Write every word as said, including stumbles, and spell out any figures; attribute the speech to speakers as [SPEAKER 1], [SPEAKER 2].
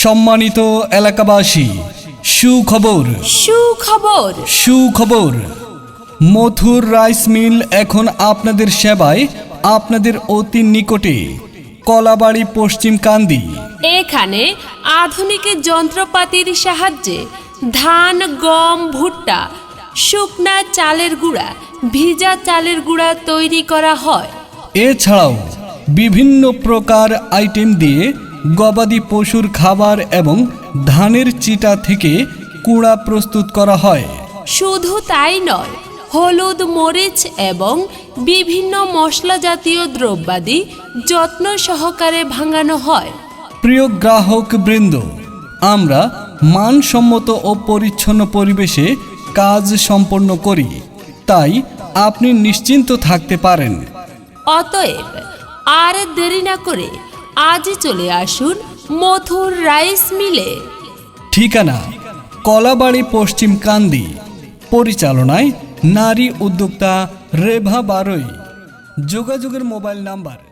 [SPEAKER 1] সম্মানিত এলাকাবাসী, সুখবর
[SPEAKER 2] সুখবর
[SPEAKER 1] সুখবর মথুর রাইস মিল এখন আপনাদের সেবায়, আপনাদের অতি নিকটে, কলাবাড়ি পশ্চিম কান্দি।
[SPEAKER 2] এখানে আধুনিক যন্ত্রপাতির সাহায্যে ধান, গম, ভুট্টা, শুকনা চালের গুঁড়া, ভিজা চালের গুঁড়া তৈরি করা হয়।
[SPEAKER 1] এছাড়াও বিভিন্ন প্রকার আইটেম দিয়ে গবাদি পশুর খাবার এবং ধানের চিটা থেকে কুড়া প্রস্তুত করা হয়।
[SPEAKER 2] শুধু তাই নয়, হলুদ, মরিচ এবং বিভিন্ন মশলা জাতীয় দ্রব্যাদি যত্ন সহকারে ভাঙানো হয়।
[SPEAKER 1] প্রিয় গ্রাহক বৃন্দ, আমরা মানসম্মত ও পরিচ্ছন্ন পরিবেশে কাজ সম্পন্ন করি, তাই আপনি নিশ্চিন্ত থাকতে পারেন।
[SPEAKER 2] অতএব আর দেরি না করে আজই চলে আসুন মথুর রাইস মিলে।
[SPEAKER 1] ঠিকানা কলাবাড়ি পশ্চিম কান্দি। পরিচালনায় নারী উদ্যোক্তা রেভা বারোই। যোগাযোগের মোবাইল নাম্বার